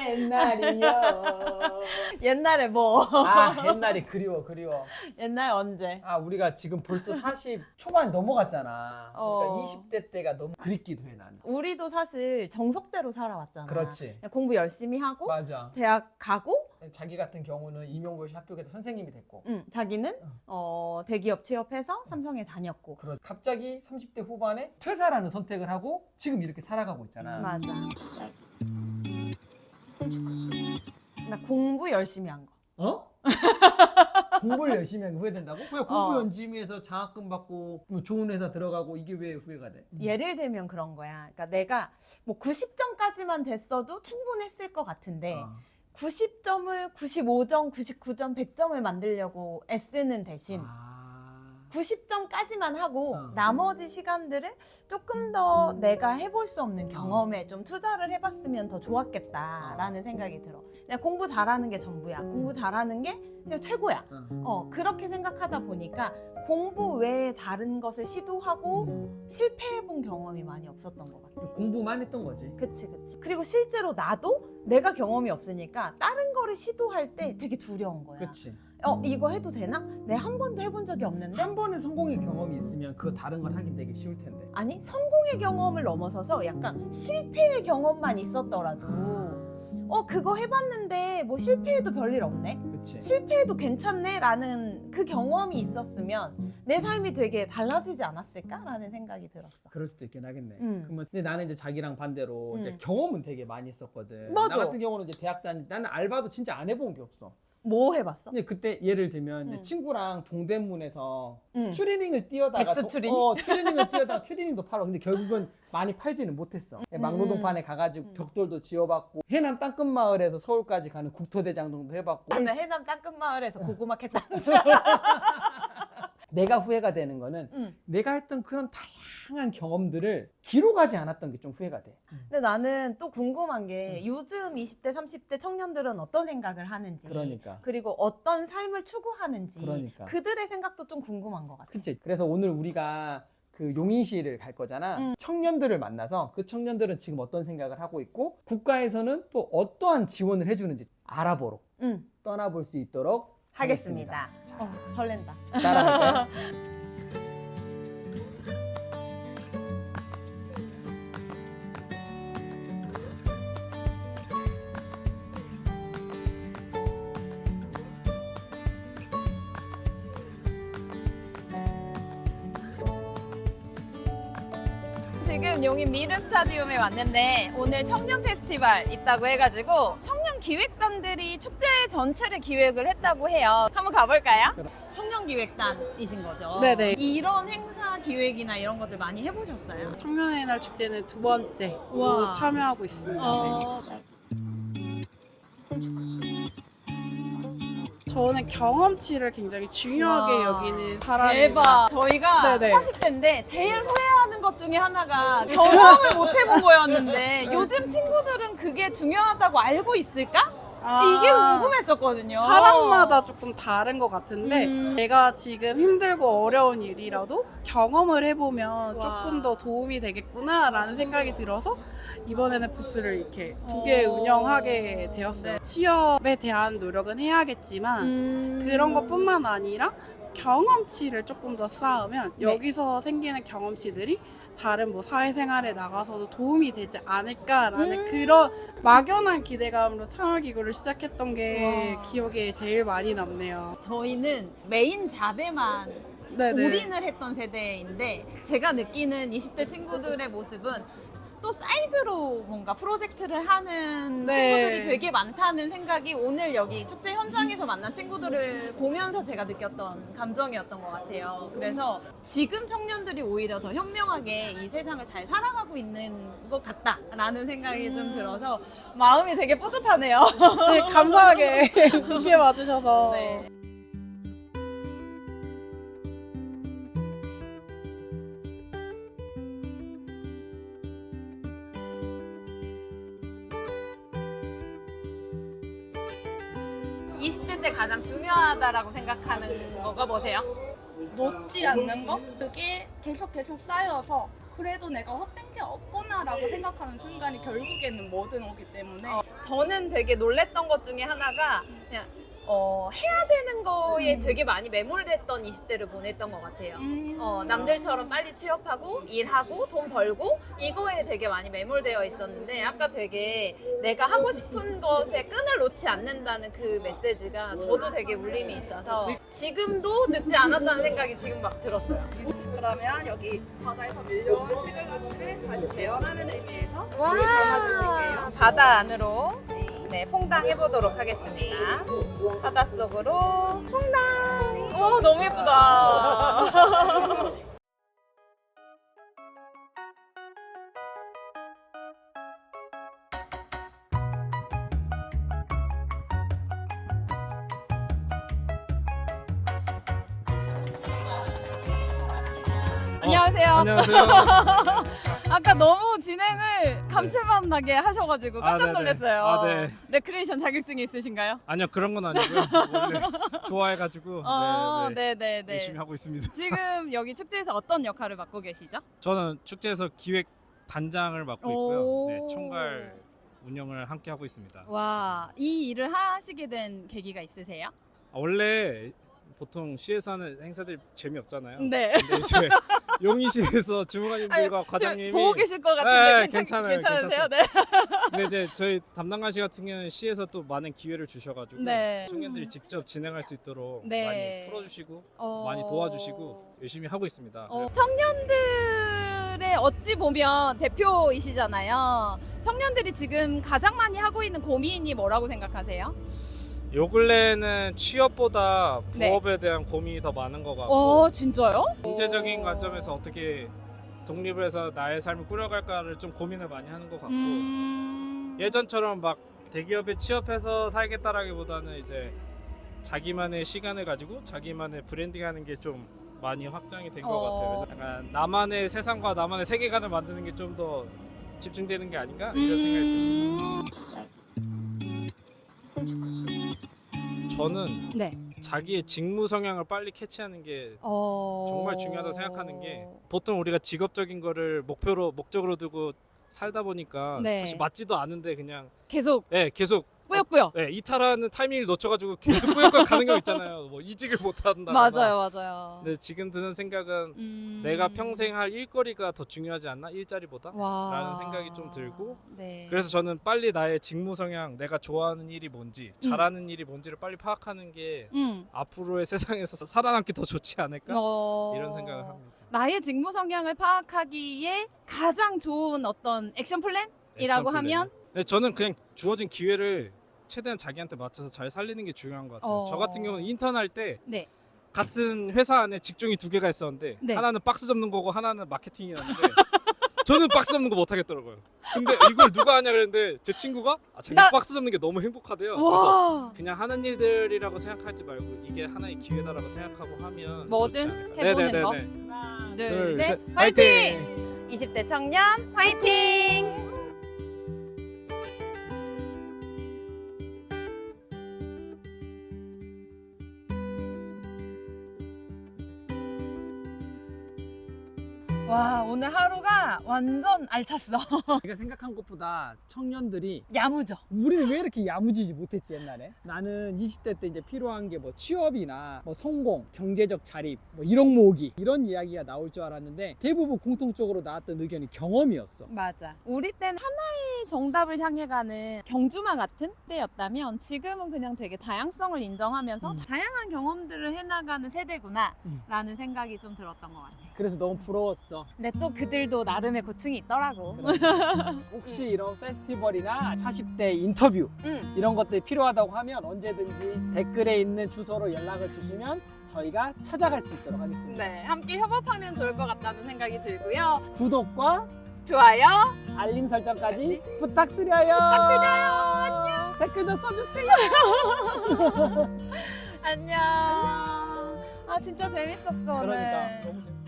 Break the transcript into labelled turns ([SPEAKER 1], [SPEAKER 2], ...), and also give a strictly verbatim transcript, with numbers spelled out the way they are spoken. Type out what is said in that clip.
[SPEAKER 1] 옛날이요.
[SPEAKER 2] 옛날에 뭐?
[SPEAKER 1] 아, 옛날이 그리워, 그리워.
[SPEAKER 2] 옛날 언제?
[SPEAKER 1] 아, 우리가 지금 벌써 사십 초반 넘어갔잖아.
[SPEAKER 2] 어.
[SPEAKER 1] 그러니까 이십 대 때가 너무 그립기도 해, 나는.
[SPEAKER 2] 우리도 사실 정석대로 살아왔잖아.
[SPEAKER 1] 그렇지.
[SPEAKER 2] 그냥 공부 열심히 하고
[SPEAKER 1] 맞아.
[SPEAKER 2] 대학 가고
[SPEAKER 1] 자기 같은 경우는 임용고시 합격해서 선생님이 됐고.
[SPEAKER 2] 응, 자기는 어, 대기업 취업해서 삼성에 다녔고.
[SPEAKER 1] 그렇. 갑자기 삼십 대 후반에 퇴사라는 선택을 하고 지금 이렇게 살아가고 있잖아.
[SPEAKER 2] 맞아. 나 공부 열심히 한 거.
[SPEAKER 1] 어? 공부를 열심히 한 게 후회된다고? 왜 공부
[SPEAKER 2] 어.
[SPEAKER 1] 열심히 해서 장학금 받고 뭐 좋은 회사 들어가고 이게 왜 후회가 돼?
[SPEAKER 2] 예를 들면 그런 거야. 그러니까 내가 뭐 구십 점까지만 됐어도 충분했을 것 같은데
[SPEAKER 1] 어.
[SPEAKER 2] 구십 점을 구십오 점, 구십구 점, 백 점을 만들려고 애쓰는 대신
[SPEAKER 1] 아.
[SPEAKER 2] 구십 점까지만 하고
[SPEAKER 1] 어.
[SPEAKER 2] 나머지 시간들을 조금 더 내가 해볼 수 없는 경험에 좀 투자를 해봤으면 더 좋았겠다라는 생각이 들어. 그냥 공부 잘하는 게 전부야. 공부 잘하는 게 그냥 최고야.
[SPEAKER 1] 어.
[SPEAKER 2] 어, 그렇게 생각하다 보니까 공부 외에 다른 것을 시도하고 실패해본 경험이 많이 없었던 것 같아.
[SPEAKER 1] 공부만 했던 거지.
[SPEAKER 2] 그치, 그치. 그리고 실제로 나도 내가 경험이 없으니까 다른 거를 시도할 때 되게 두려운 거야.
[SPEAKER 1] 그렇지.
[SPEAKER 2] 어, 이거 해도 되나? 내가 한 번도 해본 적이 없는데?
[SPEAKER 1] 한 번의 성공의 경험이 있으면 그 다른 걸 하긴 되게 쉬울 텐데.
[SPEAKER 2] 아니, 성공의 경험을 넘어서서 약간 실패의 경험만 있었더라도 어, 그거 해봤는데 뭐 실패해도 별일 없네?
[SPEAKER 1] 그렇지.
[SPEAKER 2] 실패해도 괜찮네? 라는 그 경험이 있었으면 내 삶이 되게 달라지지 않았을까? 라는 생각이 들었어.
[SPEAKER 1] 그럴 수도 있긴 하겠네.
[SPEAKER 2] 음.
[SPEAKER 1] 그러면 근데 나는 이제 자기랑 반대로 이제
[SPEAKER 2] 음.
[SPEAKER 1] 경험은 되게 많이 했었거든.
[SPEAKER 2] 맞아.
[SPEAKER 1] 나 같은 경우는 이제 대학 다닐 때 나는 알바도 진짜 안 해본 게 없어.
[SPEAKER 2] 뭐 해봤어?
[SPEAKER 1] 근데 그때 예를 들면 이제
[SPEAKER 2] 음.
[SPEAKER 1] 친구랑 동대문에서
[SPEAKER 2] 응.
[SPEAKER 1] 추리닝을 뛰어다가
[SPEAKER 2] 백수
[SPEAKER 1] 도-
[SPEAKER 2] 추리닝?
[SPEAKER 1] 어, 추리닝을 뛰어다가 추리닝도 팔아. 근데 결국은 많이 팔지는 못했어. 막노동판에 가가지고
[SPEAKER 2] 음.
[SPEAKER 1] 벽돌도 지어봤고 해남 땅끝마을에서 서울까지 가는 국토대장정도 해봤고.
[SPEAKER 2] 나는 해남 땅끝마을에서 고구마 캤다.
[SPEAKER 1] 내가 후회가 되는 거는
[SPEAKER 2] 응.
[SPEAKER 1] 내가 했던 그런 다양한 경험들을 기록하지 않았던 게 좀 후회가 돼.
[SPEAKER 2] 근데 나는 또 궁금한 게 요즘 이십 대, 삼십 대 청년들은 어떤 생각을 하는지
[SPEAKER 1] 그러니까.
[SPEAKER 2] 그리고 어떤 삶을 추구하는지
[SPEAKER 1] 그러니까.
[SPEAKER 2] 그들의 생각도 좀 궁금한 것 같아.
[SPEAKER 1] 그치. 그래서 오늘 우리가 그 용인시를 갈 거잖아.
[SPEAKER 2] 음.
[SPEAKER 1] 청년들을 만나서 그 청년들은 지금 어떤 생각을 하고 있고 국가에서는 또 어떠한 지원을 해주는지 알아보러
[SPEAKER 2] 응.
[SPEAKER 1] 떠나볼 수 있도록
[SPEAKER 2] 하겠습니다.
[SPEAKER 1] 하겠습니다.
[SPEAKER 2] 어, 설렌다.
[SPEAKER 1] 따라갈까요?
[SPEAKER 2] 지금 용인 미르 스타디움에 왔는데 오늘 청년 페스티벌 있다고 해가지고 청년 기획단들이 축제 전체를 기획을 했다고 해요. 한번 가볼까요?
[SPEAKER 1] 그럼.
[SPEAKER 2] 청년 기획단이신 거죠?
[SPEAKER 3] 네네.
[SPEAKER 2] 이런 행사 기획이나 이런 것들 많이 해보셨어요?
[SPEAKER 3] 청년의 날 축제는 두 번째로
[SPEAKER 2] 우와.
[SPEAKER 3] 참여하고 있습니다.
[SPEAKER 2] 어,
[SPEAKER 3] 저는 경험치를 굉장히 중요하게
[SPEAKER 2] 우와.
[SPEAKER 3] 여기는 사람입니다.
[SPEAKER 2] 대박. 저희가
[SPEAKER 3] 네네.
[SPEAKER 2] 사십 대인데 제일 후회하는 것 중에 하나가 경험을 못 해본 거였는데 요즘 친구들은 그게 중요하다고 알고 있을까?
[SPEAKER 3] 아,
[SPEAKER 2] 이게 궁금했었거든요.
[SPEAKER 3] 사람마다 조금 다른 것 같은데
[SPEAKER 2] 음.
[SPEAKER 3] 내가 지금 힘들고 어려운 일이라도 경험을 해보면
[SPEAKER 2] 와.
[SPEAKER 3] 조금 더 도움이 되겠구나라는 생각이 들어서 이번에는 부스를 이렇게 두 개
[SPEAKER 2] 어.
[SPEAKER 3] 운영하게 되었어요.
[SPEAKER 2] 네.
[SPEAKER 3] 취업에 대한 노력은 해야겠지만
[SPEAKER 2] 음.
[SPEAKER 3] 그런 것뿐만 아니라 경험치를 조금 더 쌓으면
[SPEAKER 2] 네.
[SPEAKER 3] 여기서 생기는 경험치들이 다른 뭐 사회생활에 나가서도 도움이 되지 않을까라는
[SPEAKER 2] 음.
[SPEAKER 3] 그런 막연한 기대감으로 참여기구를 시작했던 게
[SPEAKER 2] 와.
[SPEAKER 3] 기억에 제일 많이 남네요.
[SPEAKER 2] 저희는 메인 잡에만
[SPEAKER 3] 네네.
[SPEAKER 2] 올인을 했던 세대인데 제가 느끼는 이십 대 친구들의 모습은 또 사이드로 뭔가 프로젝트를 하는
[SPEAKER 3] 네.
[SPEAKER 2] 친구들이 되게 많다는 생각이 오늘 여기 축제 현장에서 만난 친구들을 보면서 제가 느꼈던 감정이었던 것 같아요. 그래서 지금 청년들이 오히려 더 현명하게 이 세상을 잘 살아가고 있는 것 같다라는 생각이 좀
[SPEAKER 3] 음.
[SPEAKER 2] 들어서 마음이 되게 뿌듯하네요.
[SPEAKER 3] 되게 감사하게 좋게 봐주셔서
[SPEAKER 2] 네. 이십 대 때 가장 중요하다라고 생각하는 거가 뭐세요?
[SPEAKER 4] 놓지 않는 거? 그게 계속 계속 쌓여서 그래도 내가 헛된 게 없구나 해야겠다라고 생각하는 순간이 결국에는 뭐든 오기 때문에
[SPEAKER 2] 저는 되게 놀랬던 것 중에 하나가 그냥 어, 해야 되는 거에
[SPEAKER 4] 음.
[SPEAKER 2] 되게 많이 매몰됐던 이십 대를 보냈던 것 같아요.
[SPEAKER 4] 음.
[SPEAKER 2] 어, 남들처럼 빨리 취업하고 일하고 돈 벌고 이거에 되게 많이 매몰되어 있었는데 아까 되게 내가 하고 싶은 것에 끈을 놓지 않는다는 그 메시지가 저도 되게 울림이 있어서 지금도 늦지 않았다는 생각이 지금 막 들었어요.
[SPEAKER 4] 그러면 여기 바다에서 밀려온 실외가족을 다시 재현하는 의미에서
[SPEAKER 2] 와,
[SPEAKER 4] 물을 담아주실게요.
[SPEAKER 2] 바다 안으로 네, 퐁당 해보도록 하겠습니다. 바닷속으로 퐁당. 와, 너무 예쁘다. 안녕하세요.
[SPEAKER 5] 안녕하세요.
[SPEAKER 2] 아까 너무 진행을 감칠맛 나게 하셔가지고 깜짝
[SPEAKER 5] 아, 네네.
[SPEAKER 2] 놀랐어요.
[SPEAKER 5] 아, 네.
[SPEAKER 2] 레크레이션 자격증이 있으신가요?
[SPEAKER 5] 아니요, 그런 건 아니고요. 원래 좋아해가지고
[SPEAKER 2] 어,
[SPEAKER 5] 네, 네.
[SPEAKER 2] 네네네.
[SPEAKER 5] 열심히 하고 있습니다.
[SPEAKER 2] 지금 여기 축제에서 어떤 역할을 맡고 계시죠?
[SPEAKER 5] 저는 축제에서 기획 단장을 맡고
[SPEAKER 2] 오.
[SPEAKER 5] 있고요. 네, 총괄 운영을 함께 하고 있습니다.
[SPEAKER 2] 와, 이 일을 하시게 된 계기가 있으세요?
[SPEAKER 5] 아, 원래 보통 시에서 하는 행사들 재미없잖아요.
[SPEAKER 2] 네.
[SPEAKER 5] 근데 이제 용인시에서 주무관님들과
[SPEAKER 2] 아유,
[SPEAKER 5] 과장님이
[SPEAKER 2] 지금 보고 계실 것
[SPEAKER 5] 네,
[SPEAKER 2] 같은데 괜찮,
[SPEAKER 5] 괜찮아요,
[SPEAKER 2] 괜찮으세요? 네.
[SPEAKER 5] 근데 이제 저희 담당관씨 같은 경우는 시에서 또 많은 기회를 주셔가지고
[SPEAKER 2] 네.
[SPEAKER 5] 청년들이 직접 진행할 수 있도록
[SPEAKER 2] 네.
[SPEAKER 5] 많이 풀어주시고
[SPEAKER 2] 어...
[SPEAKER 5] 많이 도와주시고 열심히 하고 있습니다.
[SPEAKER 2] 어, 청년들의 어찌 보면 대표이시잖아요. 청년들이 지금 가장 많이 하고 있는 고민이 뭐라고 생각하세요?
[SPEAKER 5] 요 근래에는 취업보다
[SPEAKER 2] 네.
[SPEAKER 5] 부업에 대한 고민이 더 많은 것 같고
[SPEAKER 2] 어, 진짜요?
[SPEAKER 5] 경제적인 관점에서 어떻게 독립을 해서 나의 삶을 꾸려갈까를 좀 고민을 많이 하는 것 같고
[SPEAKER 2] 음...
[SPEAKER 5] 예전처럼 막 대기업에 취업해서 살겠다라기보다는 이제 자기만의 시간을 가지고 자기만의 브랜딩하는 게 좀 많이 확장이 된 것
[SPEAKER 2] 어.
[SPEAKER 5] 같아요. 그래서 약간 나만의 세상과 나만의 세계관을 만드는 게 좀 더 집중되는 게 아닌가 이런 생각이 듭니다. 저는
[SPEAKER 2] 네.
[SPEAKER 5] 자기의 직무 성향을 빨리 캐치하는 게
[SPEAKER 2] 어...
[SPEAKER 5] 정말 중요하다고 생각하는 게 보통 우리가 직업적인 거를 목표로 목적으로 두고 살다 보니까
[SPEAKER 2] 네.
[SPEAKER 5] 사실 맞지도 않은데 그냥
[SPEAKER 2] 계속
[SPEAKER 5] 예 계속
[SPEAKER 2] 꾸역꾸역.
[SPEAKER 5] 예 이탈하는 타이밍을 놓쳐가지고 계속 꾸역꾸역 가는 경우 있잖아요. 뭐 이직을 못 한다.
[SPEAKER 2] 맞아요, 맞아요.
[SPEAKER 5] 근데 지금 드는 생각은
[SPEAKER 2] 음...
[SPEAKER 5] 내가 평생 할 일거리가 더 중요하지 않나 일자리보다?
[SPEAKER 2] 와...
[SPEAKER 5] 라는 생각이 좀 들고
[SPEAKER 2] 네.
[SPEAKER 5] 그래서 저는 빨리 나의 직무 성향, 내가 좋아하는 일이 뭔지, 잘하는 일이 뭔지를 빨리 파악하는 게
[SPEAKER 2] 음.
[SPEAKER 5] 앞으로의 세상에서 살아남기 더 좋지 않을까?
[SPEAKER 2] 어...
[SPEAKER 5] 이런 생각을 합니다.
[SPEAKER 2] 나의 직무 성향을 파악하기에 가장 좋은 어떤 액션 플랜이라고
[SPEAKER 5] 액션 플랜.
[SPEAKER 2] 하면
[SPEAKER 5] 네, 저는 그냥 주어진 기회를 최대한 자기한테 맞춰서 잘 살리는 게 중요한 것 같아요.
[SPEAKER 2] 어.
[SPEAKER 5] 저 같은 경우는 인턴 할 때
[SPEAKER 2] 네.
[SPEAKER 5] 같은 회사 안에 직종이 두 개가 있었는데
[SPEAKER 2] 네.
[SPEAKER 5] 하나는 박스 접는 거고 하나는 마케팅이었는데 저는 박스 접는 거 못 하겠더라고요. 근데 이걸 누가 하냐 그랬는데 제 친구가 아, 자기
[SPEAKER 2] 나-
[SPEAKER 5] 박스 접는 게 너무 행복하대요. 그래서
[SPEAKER 2] 와.
[SPEAKER 5] 그냥 하는 일들이라고 생각하지 말고 이게 하나의 기회다라고 생각하고 하면
[SPEAKER 2] 뭐든
[SPEAKER 5] 좋지 않을까.
[SPEAKER 2] 해보는
[SPEAKER 5] 네네네네.
[SPEAKER 2] 거.
[SPEAKER 5] 네.
[SPEAKER 2] 둘,
[SPEAKER 5] 둘,
[SPEAKER 2] 셋,
[SPEAKER 5] 셋,
[SPEAKER 2] 화이팅! 이십 대 청년 화이팅! 와, 오늘 하루가 완전 알찼어.
[SPEAKER 1] 제가 생각한 것보다 청년들이
[SPEAKER 2] 야무져.
[SPEAKER 1] 우리는 왜 이렇게 야무지지 못했지 옛날에? 나는 이십 대 때 이제 필요한 게 뭐 취업이나 뭐 성공, 경제적 자립, 뭐 일억 모으기 이런 이야기가 나올 줄 알았는데 대부분 공통적으로 나왔던 의견이 경험이었어.
[SPEAKER 2] 맞아. 우리 땐 하나의 정답을 향해 가는 경주마 같은 때였다면 지금은 그냥 되게 다양성을 인정하면서
[SPEAKER 1] 음.
[SPEAKER 2] 다양한 경험들을 해나가는 세대구나
[SPEAKER 1] 음.
[SPEAKER 2] 라는 생각이 좀 들었던 것 같아.
[SPEAKER 1] 그래서 너무 부러웠어.
[SPEAKER 2] 근데 또 그들도 나름의 고충이 있더라고.
[SPEAKER 1] 그러니까. 혹시 이런 페스티벌이나 사십 대 인터뷰
[SPEAKER 2] 응.
[SPEAKER 1] 이런 것들이 필요하다고 하면 언제든지 댓글에 있는 주소로 연락을 주시면 저희가 찾아갈 수 있도록 하겠습니다.
[SPEAKER 2] 네, 함께 협업하면 좋을 것 같다는 생각이 들고요.
[SPEAKER 1] 구독과
[SPEAKER 2] 좋아요.
[SPEAKER 1] 알림 설정까지 부탁드려요.
[SPEAKER 2] 부탁드려요. 안녕.
[SPEAKER 1] 댓글도 써주세요.
[SPEAKER 2] 안녕. 아 진짜 재밌었어 오늘.
[SPEAKER 1] 그러니까 너무 재밌어.